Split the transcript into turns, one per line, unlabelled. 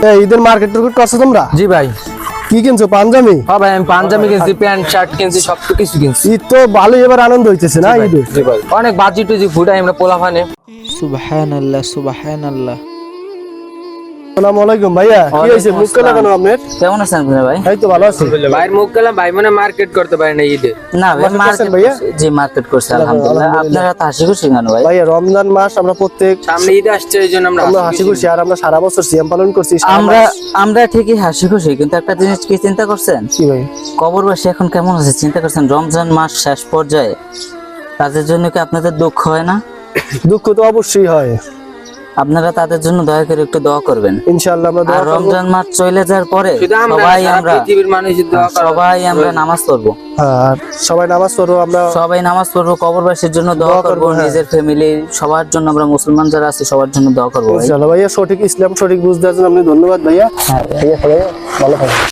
ঈদের market target করছো তোমরা?
জি ভাই।
কি কিনছো? পাঞ্জাবি?
হ্যাঁ ভাই, আমি পাঞ্জাবি কিনছি, প্যান্ট শার্ট কিনছি, সব কিছু কিনছি।
ঈদ তো ভালোই এবার আনন্দ হইতেছে না ঈদে?
জি ভাই, অনেক বাজি টুজি ফুটাই আমরা পোলাপানে।
সুবহানাল্লাহ সুবহানাল্লাহ।
আসসালামু আলাইকুম ভাইয়া, কি হইছে মুখ কালা কেন আপনার?
কেমন আছেন ভাই?
এই তো ভালো আছি।
ভাইয়ের মুখ গেলাম, ভাই মনে মার্কেট করতে পারে না ঈদে।
না ভাই,
মার্কেট করছেন
মার্কেট
ভাইয়া?
জি মার্কেট করছে আলহামদুলিল্লাহ। আপনারা তো হাসি খুশি কেন ভাই?
ভাইয়া রমজান মাস আমরা প্রত্যেক
সামনে ঈদ আসছে, এই জন্য
আমরা হাসি খুশি, আর আমরা সারা বছর সিয়াম পালন করছি। সারা
আমরা
মাস।
আমরা ঠিকই হাসি খুশি, কিন্তু একটা জিনিস কি চিন্তা করছেন?
কি ভাই?
কবরবাসী এখন কেমন আছে চিন্তা করছেন? রমজান মাস শেষ পর্যায়ে তাদের জন্য কি আপনাদের দুঃখ হয় না?
দুঃখ তো অবশ্যই হয়।
আপনারা তাদের জন্য দয়া করে একটু দোয়া করবেন।
ইনশাআল্লাহ আমরা দোয়া
আর
করব।
রমজান মাস চলে যাওয়ার পরে
শুধু আমরা না,
সবাই
সারা
আমরা
পৃথিবীর মানুষের দোয়া করা।
সবাই আমরা নামাজ পড়বো,
আর সবাই নামাজ পড়বো, আমরা
সবাই নামাজ পড়বো, কবরবাসীর জন্য দোয়া
দোয়া
করবো,
করবো, হ্যাঁ।
নিজের ফ্যামিলি সবার জন্য, আমরা মুসলমান যারা আছি সবার জন্য দোয়া করবো ভাই।
ইনশাআল্লাহ ভাইয়া, সঠিক ইসলাম সঠিক বুঝ দেওয়ার জন্য আপনি ধন্যবাদ ভাইয়া।
হ্যাঁ
ঠিক আছে ভাইয়া, ভালো থাকবেন।